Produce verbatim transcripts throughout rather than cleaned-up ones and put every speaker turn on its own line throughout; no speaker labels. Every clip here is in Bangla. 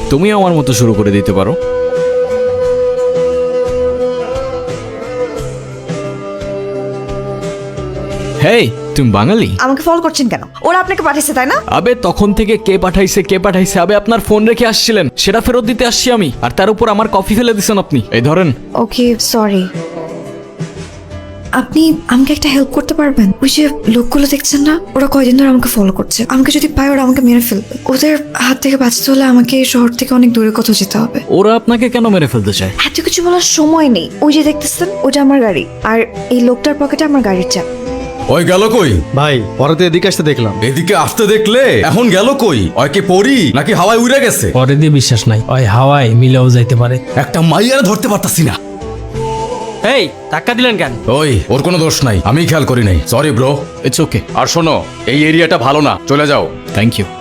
তুমিও আমার মতো শুরু করে দিতে পারো। হেই, তুমি বাঙালি?
আমাকে ফলো করছেন কেন? ওরা আপনাকে পাঠিয়েছে তাই না?
আবে তখন থেকে কে পাঠাইছে কে পাঠাইছে, আবে আপনার ফোন রেখে আসছিলেন, সেটা ফেরত দিতে আসছি আমি, আর তার উপর আমার কফি ফেলে দিছেন আপনি। এই ধরেন।
Okay sorry. আপনি আমাকে একটা হেল্প করতে পারবেন? ওই যে লোকগুলো দেখছেন না, ওরা কয়দিন ধরে আমাকে ফলো করছে। আমাকে যদি পায় ওরা আমাকে মেরে ফেলবে। ওদের হাত থেকে বাঁচতে হলে আমাকে এই শহর থেকে অনেক দূরে কোথাও যেতে হবে।
ওরা আপনাকে কেন মেরে ফেলতে চায়?
এত কিছু বলার সময় নেই। ওই যে দেখতেছেন, ওটা আমার গাড়ি, আর এই লোকটার পকেটে আমার গাড়ির চাপ।
ওই গেল কই?
ভাই পরে তো এদিকে আসতে দেখলাম।
এদিকে আসতে দেখলে এখন গেল কই? ওই কি পড়ি নাকি হাওয়ায় উড়ে গেছে?
পরে দিয়ে বিশ্বাস নাই, ওই হাওয়ায় মিলেও যাইতে পারে।
একটা মাইয়ারে ধরতে পারতাছি না।
এই ধাক্কা দিলেন কেন?
ওই ওর কোনো দোষ নাই, আমি খেয়াল করি নাই, সরি ব্রো।
It's okay.
আর শোনো, এই এরিয়াটা ভালো না, চলে যাও।
Thank you.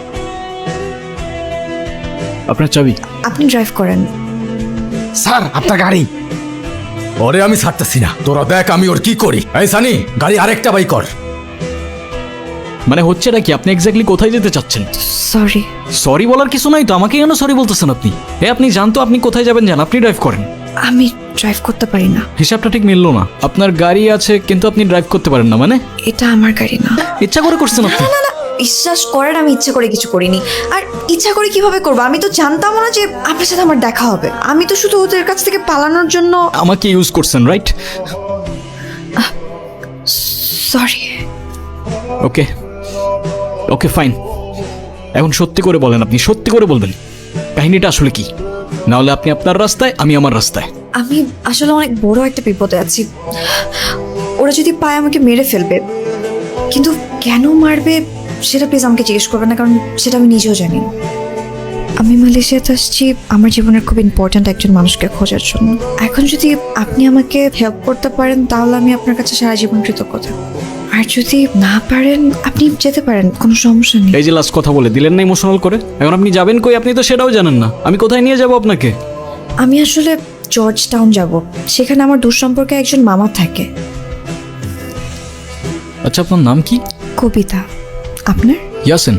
আপনার চাবি?
আপনি ড্রাইভ করেন।
স্যার আপনার গাড়ি। ওরে আমি ছাড়তেছি না, তোরা দেখ আমি ওর কি করি। এই সানি, গাড়ি আরেকটা বাই কর।
মানে হচ্ছেটা কি? আপনি এক্স্যাক্টলি কোথায় যেতে চাচ্ছেন?
সরি।
সরি বলার কিছু নাই তো, আমাকে কেন সরি বলতেছেন আপনি? এ আপনি জানতো আপনি কোথায় যাবেন, জান, আপনি ড্রাইভ করেন।
আমি ড্রাইভ করতে পারি না।
হিসাবটা ঠিক মিললো না। আপনার গাড়ি আছে কিন্তু আপনি ড্রাইভ করতে পারেন না মানে?
এটা আমার গাড়ি না।
ইচ্ছা করে করছেন আপনি?
না না, বিশ্বাস করেন আমি ইচ্ছে করে কিছু করিনি। আর ইচ্ছা করে কিভাবে করবো? আমি তো জানতাম না যে আপনার সাথে আমার দেখা হবে। আমি তো শুধু ওদের কাছ থেকে পালানোর জন্য।
আমাকে ইউজ করছেন, right?
Sorry.
Okay okay fine. এখন সত্যি করে বলেন, আপনি সত্যি করে বলবেন কাহিনীটা আসলে কি, না হলে আপনি আপনার রাস্তায়, আমি আমার রাস্তায়।
আমি আসলে অনেক বড় একটা বিপদে আছি। ওরা যদি পায় আমাকে মেরে ফেলবে, কিন্তু কেন মারবে সেটা প্লিজ আমাকে জিজ্ঞেস করবেন না, কারণ সেটা আমি নিজেও জানি না। আমি মালয়েশিয়াতে আসছি আমার জীবনের খুব ইম্পর্ট্যান্ট একজন মানুষকে খোঁজার জন্য। এখন যদি আপনি আমাকে হেল্প করতে পারেন তাহলে আমি আপনার কাছে সারা জীবন কৃতজ্ঞ থাকবো। আর যদি না পারেন আপনি যেতে পারেন, কোনো সমস্যা নেই।
এই যে লাস্ট কথা বলে দিলেন না ইমোশনাল করে, এখন আপনি যাবেন কই আপনি তো সেটাও জানেন না। আমি কোথায় নিয়ে যাব আপনাকে?
আমি আসলে জর্জ টাউন যাব, সেখানে আমার দূর সম্পর্কে একজন মামা থাকে।
আচ্ছা আপনার নাম কি?
কবিতা। আপনার?
ইয়াসিন।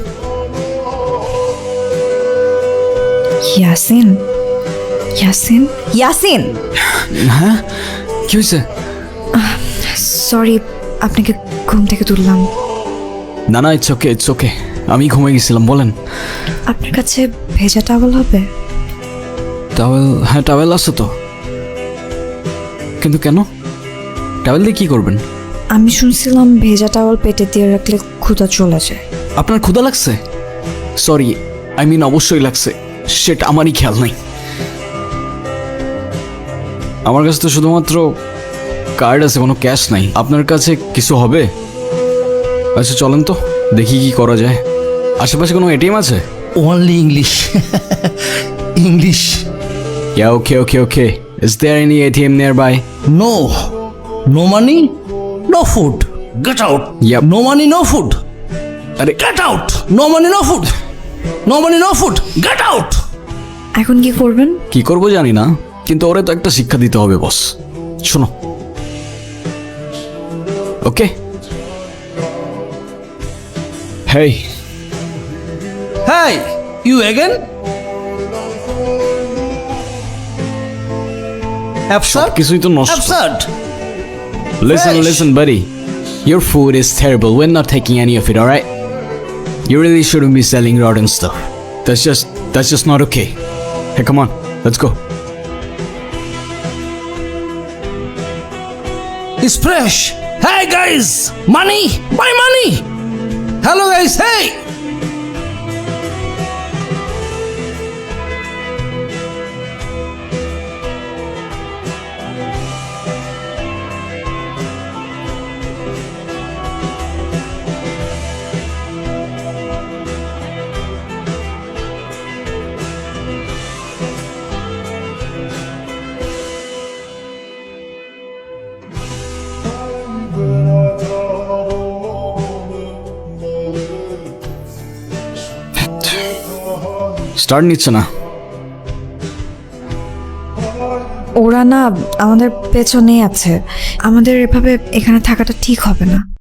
ইয়াসিন? ইয়াসিন? ইয়াসিন?
হ্যাঁ কি হয়েছে?
সরি, আপনাকে ঘুম থেকে তুললাম।
না না, ইটস ওকে ইটস ওকে, আমি ঘুমিয়ে গেছিলাম। বলেন।
আপনার কাছে ভেজা টাওয়াল হবে?
টাওয়েল? হ্যাঁ টাওয়েল আছে তো, কিন্তু কেন? টাওয়েল দিয়ে কি করবেন?
আমি শুনছিলাম ভেজা টাওয়াল পেটে দিয়ে রাখলে ক্ষুধা চলে যায়।
আপনার ক্ষুধা লাগছে? সরি, আই মিন অবশ্যই লাগছে, সেটা আমারই খেয়াল নাই। আমার কাছে তো শুধুমাত্র কার্ড আছে, কোনো ক্যাশ নাই। আপনার কাছে কিছু হবে? আচ্ছা চলেন তো দেখি কি করা যায়। আশেপাশে কোনো এটিএম আছে?
Only English. English.
Yeah, okay, okay, okay. Is there any A T M nearby?
No. No money, no food. Get out.
Yep.
No money, no food.
আরে
Get out. No money, no food. No money, no food. Get out.
এখন কি করবেন?
কি করবো জানি না, কিন্তু ওরে তো একটা শিক্ষা দিতে হবে বস। শোনো, ওকে? হেই।
Hey, you again? Absurd.
কিছুই তো নষ্ট।
Absurd.
Listen,
Fresh.
listen, buddy. Your food is terrible. We're not taking any of it, alright? You really shouldn't be selling rotten stuff. That's just, that's just not okay. Hey, come on, let's go.
It's fresh. Hey guys, money, buy money. Hello guys, hey.
Start নিচ্ছে না।
ওরা না আমাদের পেছনেই আছে। আমাদের এভাবে এখানে থাকাটা ঠিক হবে না।